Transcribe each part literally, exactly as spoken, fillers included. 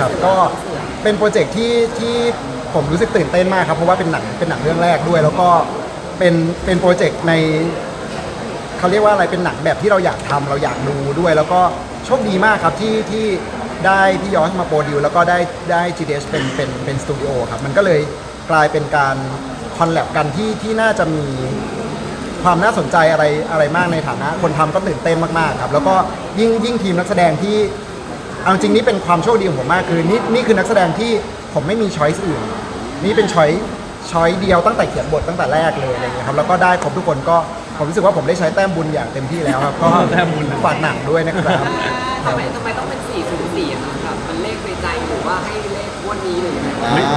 ครับก็เป็นโปรเจกต์ที่ที่ผมรู้สึกตื่นเต้นมากครับเพราะว่าเป็นหนังเป็นหนังเรื่องแรกด้วย แล้วก็เป็นเป็นโปรเจกต์ในเขาเรียกว่าอะไรเป็นหนังแบบที่เราอยากทำเราอยากดูด้วย แล้วก็โชคดีมากครับที่ที่ได้พี่ยอสมาโปรดิวแล้วก็ได้ได้ จี ดี เอส เป็นเป็นเป็นสตูดิโอครับมันก็เลยกลายเป็นการคอลแลบกันที่ที่น่าจะมีความน่าสนใจอะไรอะไรมากในฐานะคนทำก็ตื่นเต้นมากๆครับแล้วก็ยิ่งยิ่งทีมนักแสดงที่เอาจริงนี่เป็นความโชคดีของผมมากคือนี่นี่คือนักแสดงที่ผมไม่มีช้อยส์อื่นนี่เป็นช้อยช้อยเดียวตั้งแต่เขียนบทตั้งแต่แรกเลยอะไรเงี้ยครับแล้วก็ได้ครบทุกคนก็ผมรู้สึกว่าผมได้ใช้แต้มบุญอย่างเต็มที่แล้วครับก็ฝากหนังด้วยนะครับทำไมทำไมต้องเป็นสี่ศูนย์สี่อะคะแบบมันเลขในใจหรือว่าให้เลขงวันนี้หรือยังไง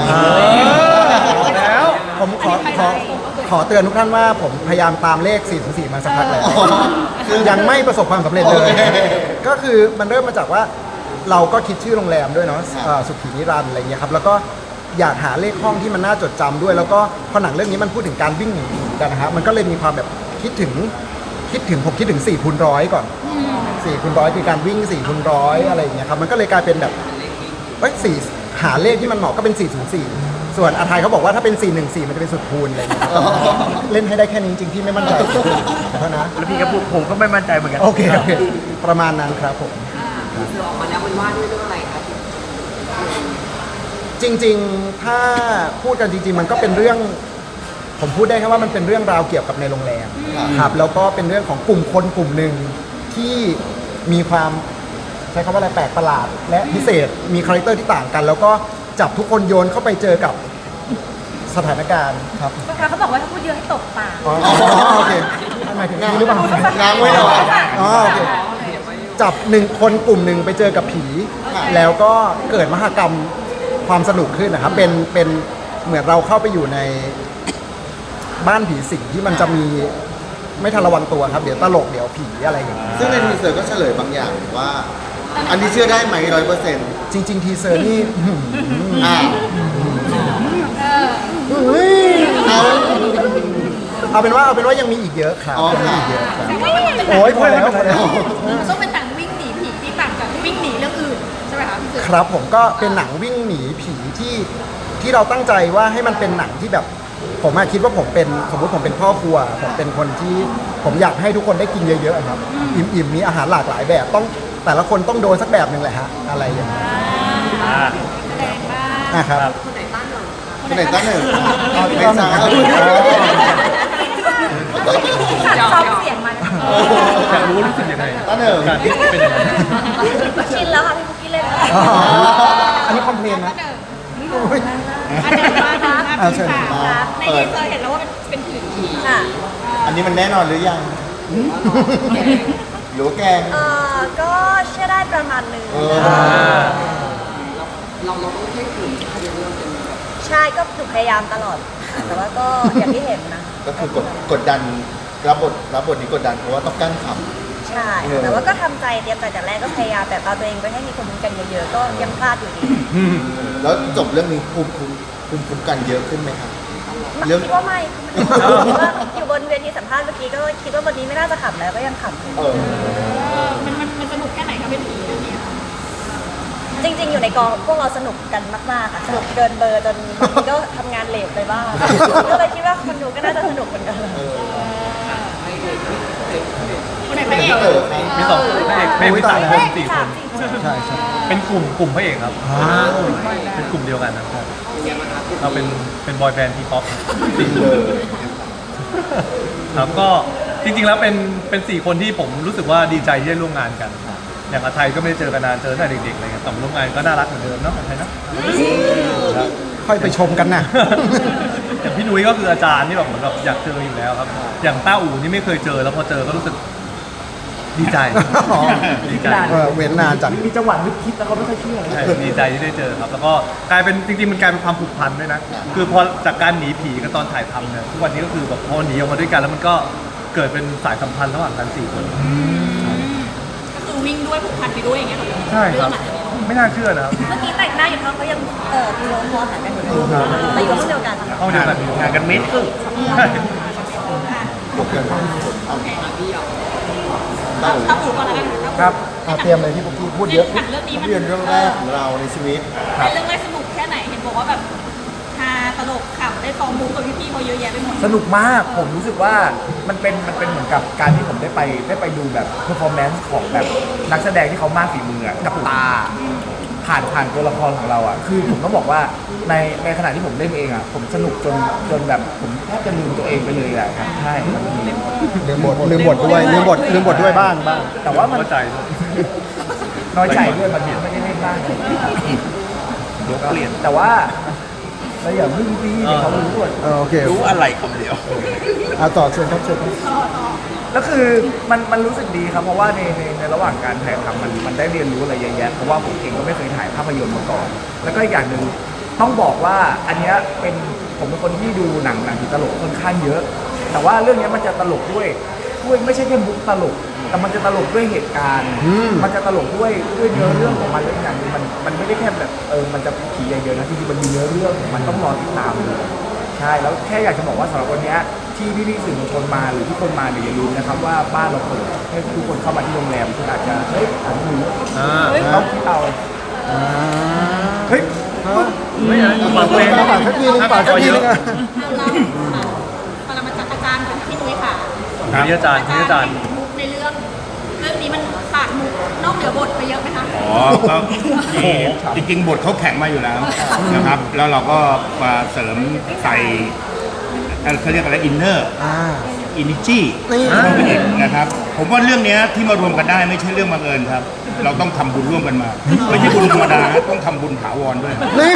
แล้วผมขอขอขอเตือนทุกท่านว่าผมพยายามตามเลขสี่ศูนย์สี่มาสักพักแล้วยังไม่ประสบความสำเร็จเลย ก็คือมันเริ่มมาจากว่าเราก็คิดชื่อโรงแรมด้วยเนาะเอ่อสุขีนิรันดร์อะไรเงี้ยครับแล้วก็อยากหาเลขห้องที่มันน่าจดจำด้วย แล้วก็พอหนังเรื่องนี้มันพูดถึงการวิ่งหนีกันนะฮะมันก็เลยมีความแบบคิดถึงคิดถึงผมคิดถึงสี่คูณร้อยก่อนสี่คูณร้อยคือการวิ่งสี่คูณร้อยอะไรอย่างเงี้ยครับมันก็เลยกลายเป็นแบบเอ้ยสี่หาเลขที่มันเหมาะก็เป็นสี่ศูนย์สี่ส่วนอาทัยเขาบอกว่าถ้าเป็นสี่หนึ่งสี่มันจะเป็นสุดคูณอะไรอย่างเงี้ยเล่นให้ได้แค่นี้จริงๆพี่ไม่มั่นใจเท่านะแล้วพี่ก็พูดผมก็ไม่มั่นใจเหมือนกันโอเคโอเคประมาณนั้นครับผมคือออกมาแล้วมันว่าด้วยเรื่องอะไรคะจริงๆถ้าพูดกันจริงๆมันก็เป็นเรื่องผมพูดได้แค่ว่ามันเป็นเรื่องราวเกี่ยวกับในโรงแรมครับแล้วก็เป็นเรื่องของกลุ่มคนกลุ่มหนึ่งที่มีความใช้คำว่าอะไรแปลกประหลาด และพิเศษมีคาแรคเตอร์ที่ต่างกัน แล้วก็จับทุกคนโยนเข้าไปเจอกับสถานการณ์ครับเขาบอกว่าถ้าพูดเยอะให้ตกปากอ๋อโอเคหมายถึงนี้หรือเปล่าง้างไว้หน่อยอ๋อโอเคจับหนึ่งคนกลุ่มหนึ่งไปเจอกับผี แล้วก็เกิดมหกรรมความสนุกขึ้นนะครับเป็นเป็นเหมือนเราเข้าไปอยู่ในบ้านผีสิงที่มันจะมีไม่ทันระวังตัวครับเดี๋ยวตลกเดี๋ยวผีอะไรอย่างเงี้ยซึ่งในทีเซอร์ก็เฉลยบางอย่างว่า อันนี้เชื่อได้ไหมร้อยเปอร์เซ็นต์จริง ๆ ทีเซอร์นี่อ่าเฮ้ยเอาเอาเป็นว่าเอาเป็นว่ายังมีอีกเยอะครับอ๋อยังมีค่ะอีกเยอะครับไม่ไม่ไม่โอ้ยพอแล้วพอแล้วมันต้องเป็นหนังวิ่งหนีผีที่ต่างจากวิ่งหนีเรื่องอื่นใช่ไหมคะพี่สื่อครับผมก็เป็นหนังวิ่งหนีผีที่ที่เราตั้งใจว่าให้มันเป็นหนังที่แบบผมอะคิดว่าผมเป็นสมมติผมเป็นพ่อครัวผมเป็นคนที่ผมอยากให้ทุกคนได้กินเยอะๆครับอิ่มๆมีอาหารหลากหลายแบบต้องแต่ละคนต้องโดนสักแบบหนึ่งแหละฮะอะไรอย่างเงี้ยแสดงว่าอ่ะครับคนไหนต้านหนึ่งคนไหนตั้งหนึ่งเอาไม่ต้นทราบซ้อมเสียงมันอยากรู้รู้สึกยังไงตั้งหนึ่งการที่เป็นอย่างนั้นชินแล้วค่ะพี่พุกกี้เล่นอ๋ออันนี้คอมเพลนนะอุ๊ยอาจารย์มานะอ่าเชิญในทีเซอร์เห็นแล้วว่าเป็นผีค่ะอันนี้มันแน่นอนหรือยังหรือว่าแกงเอ่อก็เชื่อได้ประมาณหนึงเออเราเราต้องเพ่งถึงในเรื่องเป็นแบบใช่ก็หนูพยายามตลอด แต่ว่าก็อย่างที่เห็นนะก็คือกดกดดันรับบทรับบทนี้กดดันเพราะว่าต้องกั้นขใช่ แต่ว่าก็ทำใจเตรียมใจแต่แรกก็พยายามแบบเอาตัวเองไปให้มีคนคุ้มกันเยอะๆ ก็ยังพลาดอยู่ดีำแล้วจบเรื่องนี้ภูมิคุ้มภูมิคุ้มกันเยอะขึ้นไหมครับ เรื่องคิดว่าไม่คิดว่าอยู่บนเวทีสัมภาษณ์เมื่อกี้ก็คิดว่าวันนี้ไม่น่าจะขำแล้วก็ยังขำอยู่เออมันมันมันสนุกแค่ไหนคะเป็นผีเรื่องนี้จริง ๆ อยู่ในกองพวกเราสนุกกันมากๆค่ะสนุกเกินเบอร์จนบางทีก็ทำงานเลทไปบ้างก็เลยคิดว่าคนดูก็น่าจะสนุกเหมือนกัน คนไหนพระเอกเออครับมีสองพระเอกพระเอกมีสามคนสี่คนใช่ใช่เป็นกลุ่มกลุ่มพระเอกครับอ่าเป็นกลุ่มเดียวกันนะครับเราเป็นเป็นบอยแบนด์ทีป๊อปสี่คเอน อครับก็จริงๆแล้วเป็นเป็นสี่คนที่ผมรู้สึกว่าดีใจที่ได้ร่วมงานกัน อย่างอาไทยก็ไม่ได้เจอกันนานเจอตั้งแต่เด็กๆอะไรเงี้ยแต่มาร่วมงานก็น่ารักเหมือนเดิมเนาะอาไทยเนาะครับค่อยไปชมกันนะอย่างพี่นุ้ยก็คืออาจารย์ที่แบบเหมือนแบบอยากเจออยู่แล้วครับ อย่างต้าอู่นี่ไม่เคยเจอแล้วพอเจอก็รู้สึกดีใจอ๋อดีใจเออเว้นนานจากมีจังหวะนึกคิดแล้วเขาไม่ค่อยเชื่อใช่ดีใจที่ได้เจอครับ แล้วก็กลายเป็นจริงๆมันกลายเป็นความผูกพันด้วยนะ คือพอจากการหนีผีกันตอนถ่ายทำเนี่ยทุกวันนี้ก็คือแบบพอหนีออกมาด้วยกันแล้วมันก็เกิดเป็นสายสัมพันธ์ระหว่างกันสี่คนก็คือวิ่งด้วยผูกพันไปด้วยอย่างเงี้ยเหรอใช่ครับ ไม่น่าเชื่อนะครับเมื่อกี้แต่งหน้าอยู่ท้องก็ยังเออมีโน้ตพอหันกันอยู่เราอยู่ห้องเดียวกันห้องเดียวกันงานกันเมตรครึ่งใช่ขอบคุณครับเอาพี่เอาเต้าต้องอู่ก่อนแล้วกันครับเอ่ะเตรียมเลยพี่ปุ๊กกี้พูดเยอะหนังเรื่องนี้ภามันพยนตร์เรื่องแรกของเราในชีวิตเป็นเรื่องแรกสนุกแค่ไหนเห็นบอกว่าแบบฮาตลกขำได้ฟอร์มมุกกับพี่ๆเขาเยอะแยะไปหมดสนุกมากผมรู้สึกว่ามันเป็นมันเป็นเหมือนกับการที่ผมได้ไปได้ไปดูแบบเพอร์ฟอร์แมนซ์ของแบบนักแสดงที่เขามากฝีมืออะกับตา ผ่านผ่านตัวละครของเราอ่ะคือผมต้องบอกว่าในในขณะที่ผมเล่นเองอ่ะผมสนุกจนจนแบบผมแทบจะลืมตัวเองไปเลยอ่ะครับใช่ลืมบทลืมบทด้วยลืมบทลืมบทด้วยบ้างบ้างแต่ว่ามันเข้าใจด้วยน้อยใจด้วยมันไม่ได้เล่นบ้างเดี๋ยวเปลี่ยนแต่ว่าเราอย่าพึ่งพี่เดี๋ยวเขารู้ว่าเออโอเครู้อะไรคำเดียวอ่ะต่อเชิญครับเชิญครับแล้วคือมันมันรู้สึกดีครับเพราะว่าในในในระหว่างการถ่ายทำมันมันได้เรียนรู้อะไรเยอะแยะเพราะว่าผมเองก็ไม่เคยถ่ายภาพยนตร์มาก่อน แล้วก็อีกอย่างหนึ่งต้องบอกว่าอันเนี้ยเป็นผมเป็นคนที่ดูหนังหนังผีตลกค่อนข้างเยอะ แต่ว่าเรื่องเนี้ยมันจะตลกด้วยด้วยไม่ใช่แค่มุกตลก แต่มันจะตลกด้วยเหตุการณ์ มันจะตลกด้วยด้วยเนื้อเรื่องของมันและอีกอย่างหนึงมันมันไม่ได้แค่แบบเออมันจะผีอย่างเดียวนะจริงๆมันมีเนื้อเรื่องของมันต้องรอติดตามดูใช่แล้วแค่อยากจะบอกว่าสำหรับวันเนี้ยที่พี่ๆสื่อมวลชนมาหรือทุกคนมาเนี่ยอย่าลืมนะครับว่าบ้านเราเปิดให้ทุกคนเข้ามาที่โรงแรมคุณอาจจะเฮ้ยอาจจะรู้อ่าต้องคิดเอาเฮ้ยไม่อะไรฟังเพลงฝากสักทีนึงฝากสักทีนึงอ่ะเราปรมาจารย์อาจารย์ของพี่นุ้ยค่ะนี่อาจารย์นี่อาจารย์เห็นมุกในเรื่อง เรื่องนี้มันฝากมุกนอกเหนือบทไปเยอะไหมคะอ๋อก็จริงจริงๆบทเขาแข็งมาอยู่แล้วนะครับ แล้วเราก็มาเสริมใส่เอ่อเขาเรียกอะไรอินเนอร์อ่าอินิจีนี่เข้าไปอีกนะครับ ผมว่าเรื่องเนี้ยที่มารวมกันได้ไม่ใช่เรื่องบังเอิญครับ เราต้องทำบุญร่วมกันมา ไม่ใช่บุญธรรมดานะต้องทำบุญถาวรด้วยนี่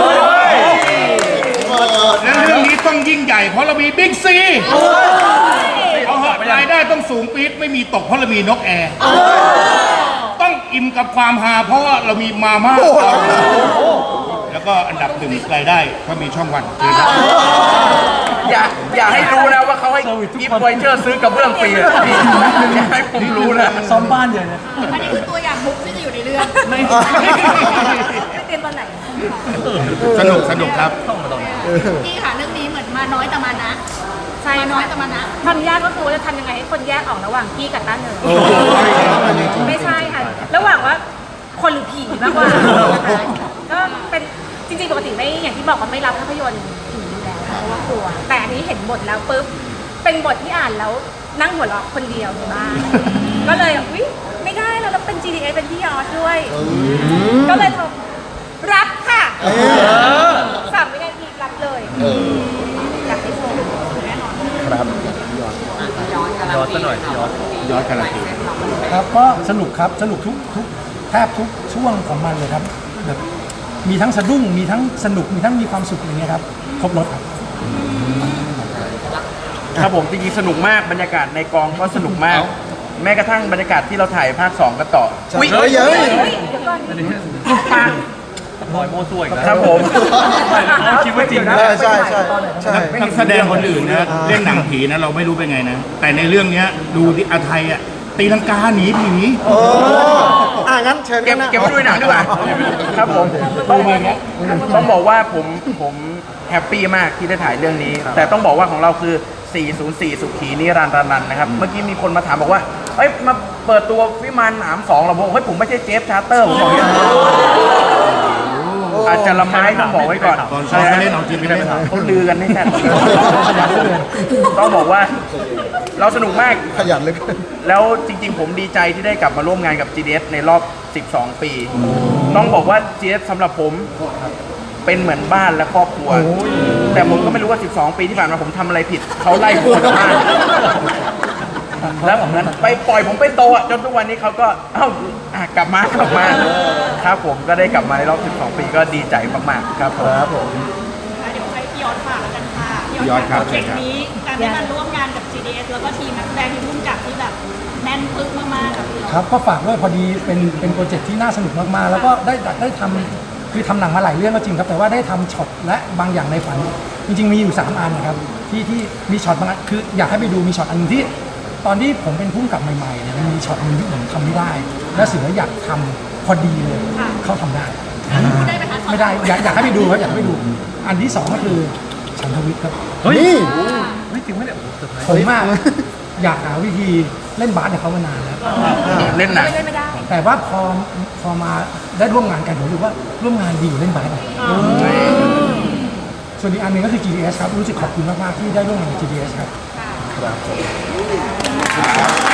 และเรื่องนี้ต้องยิ่งใหญ่เพราะเรามีบิ๊กซีเอาเหอะรายได้ต้องสูงปี๊ดไม่มีตกเพราะเรามีนกแอร์ต้องอิ่มกับความฮาเพราะว่าเรามีมาม่าแล้วก็อันดับหนึ่งรายได้ก็มีช่องวันคือครับอย่าอย่าให้รู้นะว่าเขาให้กิฟต์ไวเจอร์ซื้อกระเบื้องฟรีอะพี่อย่าให้ผมรู้นะซ้อมบ้านอย่างเนี้ยอันนี้คือตัวอย่างมุกที่จะอยู่ในเรื่องไม่ไม่เตรียมตอนไหนสนุกสนุกครับพี่ค่ะเรื่องนี้เหมือนมาน้อยแต่มานะใช่มาน้อยแต่มานะความยากก็คือว่าจะทำยังไงให้คนแยกออกระหว่างกี้กับต้าเหนิงไม่ใช่ค่ะ ระหว่างว่าคนหรือผีมากกว่านะคะก็เป็นจริงๆปกติไม่อย่างที่บอกว่าไม่รับภาพยนตร์ผีอยู่แล้วเพราะว่ากลัว แต่อันนี้เห็นบทแล้วปุ๊บเป็นบทที่อ่านแล้วนั่งหัวเราะคนเดียวในบ้านก็เลยอุ๊ยไม่ได้แล้วแล้วเป็น จี ดี เอ เป็นพี่ยอดด้วย ก็เลยโทรรับค่ะสามวินาทีรับเลยอยากให้ชมแน่นอนครับย้อนกันย้อนซะหน่อยย้อนย้อนการันตีครับก็สนุกครับสนุกทุกทุกแทบทุกช่วงของมันเลยครับแบบมีทั้งสะดุ้งมีทั้งสนุกมีทั้งมีความสุขอย่างเงี้ยครับครบรถครับครับผมจริงๆสนุกมากบรรยากาศในกองก็สนุกมาก แม้กระทั่งบรรยากาศที่เราถ่ายภาคสองกันต่ออุ๊ยเฮ้ยเฮ้ยปล่อยโม่ซวยอีกนะครับผมคิดว่าจริงนะใช่ใช่ใช่ใช่นักแสดงคนอื่นนะเล่นหนังผีนะเราไม่รู้เป็นไงนะ แต่ในเรื่องเนี้ยดูที่อาไทยอ่ะตีลังกาหนีผีโอ้อ่ะงั้นเชิญเก็บนะเก็บไว้ด้วยหนังดีกว่าครับผมต้องต้องบอกว่าผมผมแฮปปี้มากที่ได้ถ่ายเรื่องนี้ แต่ต้องบอกว่าของเราคือ สี่ศูนย์สี่ สุขีนิรันดร์นันท์นะครับ เมื่อกี้มีคนมาถามบอกว่าเอ้ยมาเปิดตัววิมานหนามสองเหราบอกเฮ้ยผมไม่ใช่เจฟชาร์เตอร์ผมบอกอย่างนี้อาจจะละไม้ต้องบอกไว้ก่อนตอนซ้อมก็เล่นเอาจริงไม่ได้เขาลือกันไม่แน่ต้องบอกว่าเราสนุกมากขยันเหลยแล้วจริงๆ ผมดีใจที่ได้กลับมาร่วมงานกับ จี ดี เอส ในรอบ สิบสอง ปี ต้องบอกว่า จี ดี เอส สำหรับผมเป็นเหมือนบ้านและครอบครัว แต่ผมก็ไม่รู้ว่า สิบสอง ปีที่ผ่านมาผมทำอะไรผิด เขาไล่ผมออกจากบ้าน แล้วผมนั้นไปปล่อยผมไปโตอะจนทุกวันนี้เขาก็เอ้าอ่ะกลับมากลับมาครับผมก็ได้กลับมาในรอบ สิบสอง ปีก็ดีใจมากๆครับผมครับผมเดี๋ยวให้พี่ยอดฝากแล้วกันค่ะพี่ยอดครับโปรเจกต์นี้การได้มาร่วมงานกับ จี ดี เอส แล้วก็ทีมนักแสดงที่ร่วมกับที่แบบแน่นปึ๊กมากๆกับพี่ยอดครับก็ฝากด้วยพอดีเป็นเป็นโปรเจกต์ที่น่าสนุกมากๆ แล้วก็ได้ได้ทำคือทำหนังมาหลายเรื่องก็จริงครับแต่ว่าได้ทำช็อตและบางอย่างในฝัน จริงๆมีอยู่สามอันนะครับที่ที่มีช็อตบางอันคืออยากให้ไปดูมีช็อตอันหนึงที่ ตอนที่ผมเป็นผู้กำกับใหม่ๆเนี่ยมันมีช็อตหนึงที่ผมทำไม่ได้ และเสืออยากทำพอดีเลยเขาทำได้พูดได้ไหมคะไม่ได้อยากอยากให้ไปดูครับอยากให้ไปดู อันที่สองก็คือฉันทวิทย์ครับเฮ้ยนี่ไม่จริงไม่ได้โอ้โหเซอร์ไพรส์ผมมากอยากหาวิธีเล่นบาสกับเขามานานแล้วเล่นหนังไม่ได้ไม่ได้แต่ว่าพอพอมาได้ร่วมงานกันผมรู้สึกว่าร่วมงานดีอยู่าเล่นบาสอะส่วนอีกอันหนึ่งก็คือ จี ดี เอส ครับรู้สึกขอบคุณมากๆที่ได้ร่วมงานกับ จี ดี เอส ครับครับ